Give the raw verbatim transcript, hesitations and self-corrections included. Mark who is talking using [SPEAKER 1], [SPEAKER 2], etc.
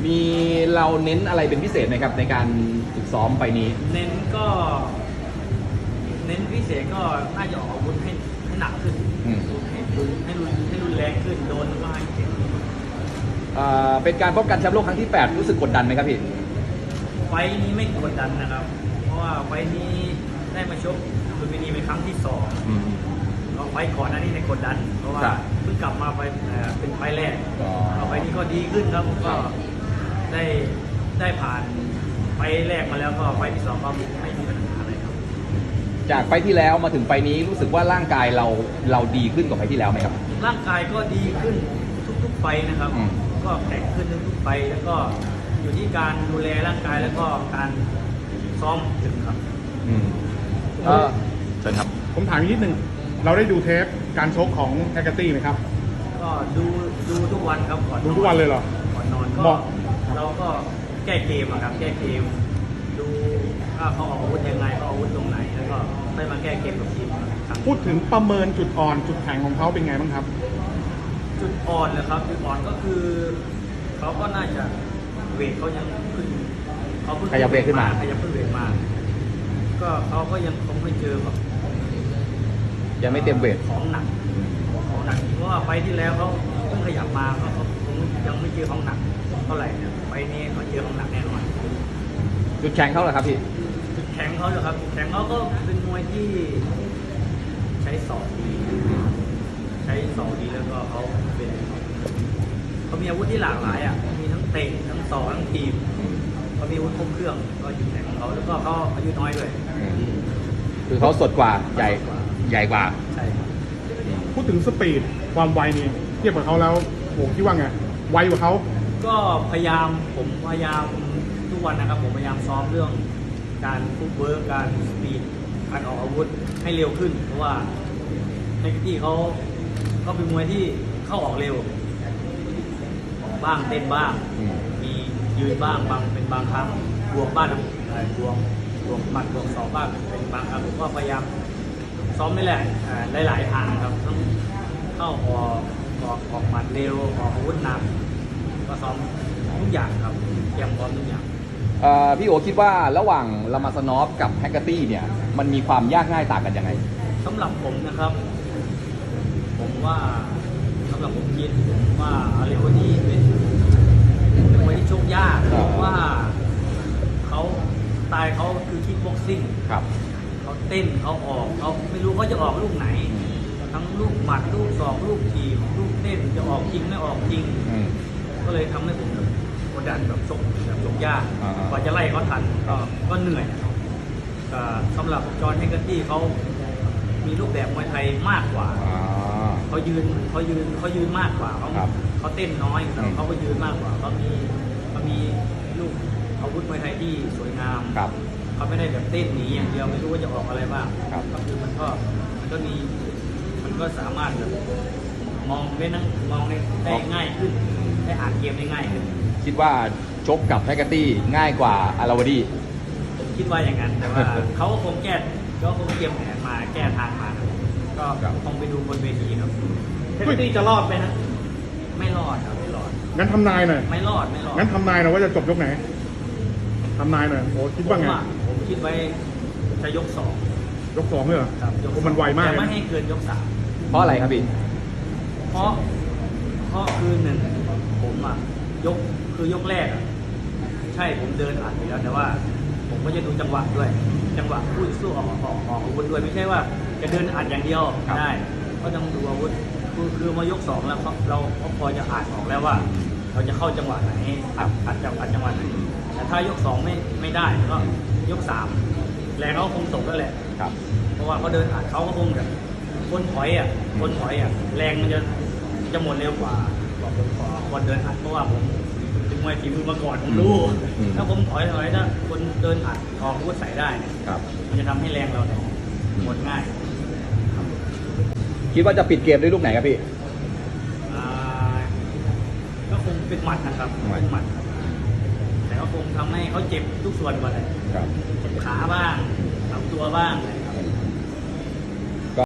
[SPEAKER 1] มีเราเน้นอะไรเป็นพิเศษไหมครับในการฝึกซ้อมไปนี้
[SPEAKER 2] เน้นก็ เน้นพิเศษก็น่าจะออกอาวุธให้ให้หนักขึ้นให้รุนให้รุนให้รุนแรงขึ้นโดนก็ให้เจ็บ
[SPEAKER 1] เป็นการป้องกันแชมป์โลกครั้งที่แปดรู้สึกกดดันไหมครับพี่
[SPEAKER 2] ไฟนี้ไม่กดดันนะครับเพราะว่าไฟนี้ได้มาชกลุมพินีเป็นครั้งที่สองก็ไฟก่อนหน้านี้ในกดดันเพราะว่าเพิ่งกลับมาไปเป็นไฟแรกเอาไฟนี้ก็ดีขึ้นครับก็ได้ได้ผ่านไฟแรกมาแล้วก็ไฟที่สองก็ไม่มีปัญหาอะไรครับ
[SPEAKER 1] จากไฟที่แล้วมาถึงไฟนี้รู้สึกว่าร่างกายเราเราดีขึ้นกว่าไฟที่แล้วไหมครับ
[SPEAKER 2] ร่างกายก็ดีขึ้นทุกๆไฟนะครับก็แข็งขึ้นทุกๆไฟแล้วก็อยู่ที่การดูแลร่างกายแล้วก็การซ้อมถึงครับ
[SPEAKER 1] อืมเออเชิญครับ
[SPEAKER 3] ผมถามอีกนิดนึงเราได้ดูเทปการชกของแฮกเกอร์ตี้ไหมครับ
[SPEAKER 2] ก็ดูดูทุกวันครับก่อน
[SPEAKER 3] ดูทุกวันเลยเหรอ
[SPEAKER 2] ก่อนนอนก็เราก็แก้เกมครับแก้เกมดูว่าเขาออกอาวุธยังไงเขาอาวุธตรงไหนแล้วก็ได้มาแก้เกมกับทีมครับ
[SPEAKER 3] พูดถึงประเมินจุดอ่อนจุดแข็งของเขาเป็นไงบ้างครับ
[SPEAKER 2] จุดอ่อนเลยครับจุดอ่อนก็คือเขาก็น่าจะเวทเขายังขึ้นเขาเพิ่ง
[SPEAKER 1] ขยับเวทขึ้นมา
[SPEAKER 2] ขยับเพิ่งเวทมาก็เขาก็ยังคงไม่เจอแบบ
[SPEAKER 1] ยังไม่เต็มเวท
[SPEAKER 2] ของหนักของหนักเพราะว่าไฟที่แล้วเขาเพิ่งขยับมาเขาคงยังไม่เจอของหนักเท่าไหร่เนี่ยไฟนี้เขาเจอของหนักแน่นอน
[SPEAKER 1] จุดแข็งเขาเหรอครับพี่
[SPEAKER 2] จุดแข็งเขาเหรอครับจุดแข็งเขาก็เป็นมวยที่ใช้ศอกดีใช้ศอกดีแล้วก็เขาเป็นเขามีอาวุธที่หลากหลายอ่ะมีทั้งเตะทั้งศอกทั้งทีมเขามีอาวุธครบเครื่องก็จุดแข็งของเขาแล้วก็เขาอายุน้อยด้วย
[SPEAKER 1] คือเขาสดกว่าใหญ่ใหญ่กว่า
[SPEAKER 2] ใช่ครับ
[SPEAKER 3] พูดถึงสปีดความไวนี่เทียบกับเขาแล้วโหคิดว่าไงไวกว่าเขา
[SPEAKER 2] ก็พยายามผมพยายามทุกวันนะครับผมพยายามซ้อมเรื่องการฟุตเวิร์กการสปีดการออกอาวุธให้เร็วขึ้นเพราะว่าในที่เขาเขาเป็นมวยที่เข้าออกเร็วออกบ้างเต้นบ้างมียืนบ้างบางเป็นบางครั้งบวกบ้างอะไรบวกบวกหมัดบวกสองบ้างเป็นบางครั้งผมก็พยายามซ้อมไม่แหละหลายๆทางครับต้องเข้าออกออกออกหมัดเร็วออกอาวุธหนักก็ซ้อมทุกอย่างครับเตรียมพร้อมทุกอย่าง
[SPEAKER 1] พี่โอคิดว่าระหว่างลามาสนอฟกับแฮกเกอร์ตี้เนี่ยมันมีความยากง่ายต่างกันยังไง
[SPEAKER 2] สำหรับผมนะครับผมว่าสำหรับผมคิดว่าอะไรคนนี้เป็นเป็นมวยที่ชกยากเพราะว่าเขาสไตล์เขาคือคิกบ็อกซิ่ง
[SPEAKER 1] ครับ
[SPEAKER 2] เขาเต้นเขาออกเขาไม่รู้เขาจะออกลูกไหนทั้งลูกหมัดลูกศอกลูกทีมลูกเต้นจะออกจริงไม่ออกจริงก็เลยทำให้ผมกดดันแบบชกแบบชกยากกว่าจะไล่เขาทันก็ก็เหนื่อยสำหรับจอห์นแฮกเกอร์ตี้เขามีรูปแบบมวยไทยมากกว่าเขายืนเขายืนเขายืนมากกว่าเขาเขาเต้นน้อยเขาก็ยืนมากกว่าเขามีเขามีลูกอาวุธมวยไทยที่สวยงามเขาไม่ได้แบบเต้นหนีอย่างเดียวไม่รู้ว่าจะออกอะไรบ้างก็คือมันก็มันก็มีมันก็สามารถแบบมองได้นั่งมองได้ง่ายขึ้นได้อ่านเกมได้ง่ายขึ้น
[SPEAKER 1] คิดว่าชกกับแฮกเกอร์ตี้ง่ายกว่าอาราวดี
[SPEAKER 2] ผมคิดว่าอย่างนั้นแต่ว่าเขาก็คงแก้ก็คงเตรียมแผนมาแก้ทางมาก็คงไปดูบนเวทีครับแฮกเกอร์ตี้จะรอดไหมนะไม่รอดครับไม่รอด
[SPEAKER 3] งั้นทำนายหน่อย
[SPEAKER 2] ไม่รอดไม่รอด
[SPEAKER 3] งั้นทำนายหน่อยว่าจะจบยกไหนทำนายหน่อยโอ้คิดว่าไง
[SPEAKER 2] ผมคิดไว้จะยกสอง
[SPEAKER 3] ยกสองเลยเหรอ
[SPEAKER 2] ครับยก
[SPEAKER 3] มันไวมาก
[SPEAKER 2] แต่ไม่ให้เกินยกสาม
[SPEAKER 1] เพราะอะไรครับพี่
[SPEAKER 2] เพราะเพราะคือหนึ่งผมอ่ะยกคือยกแรกอ่ะใช่ผมเดินอ่านไปแล้วแต่ว่าผมก็จะดูจังหวะด้วยจังหวะพูดสู้ออกออกออกอาวุธด้วยไม่ใช่ว่าจะเดินอ่านอย่างเดียวได้ก็ต้องดูอาวุธคือคือมายกสองแล้วเราก็พอจะอ่านออกแล้วว่าเราจะเข้าจังหวะไหนอัดอัดจังอัดจังหวะไหนแต่ถ้ายกสองไม่ไม่ได้ก็ยกสามแรงเขาคงตกแล้วแหละ
[SPEAKER 1] ครับ
[SPEAKER 2] เพราะว่าเขาเดินอ่านเขาก็คงแบบคนถอยอ่ะคนถอยอ่ะแรงมันจะจะหมดเร็วกว่าบอกผมขอคนเดินอัดเพราะว่าผมเป็นมวยฝีมือมาก่อนผมรู้ถ้าผมถอยถอยถ้าคนเดินอัดออกอาวุธใส่ได้เนี่ยมันจะทำให้แรงเราเนี่ยหมดง่าย
[SPEAKER 1] คิดว่าจะปิดเกมด้วยลูกไหนครับพี่
[SPEAKER 2] ก็คงเป็นหมัดนะครับเป็นหมัดแต่ก็คงทำให้เขาเจ็บทุกส่วนก่อนเลยเจ็บขาบ้างลำตัวบ้าง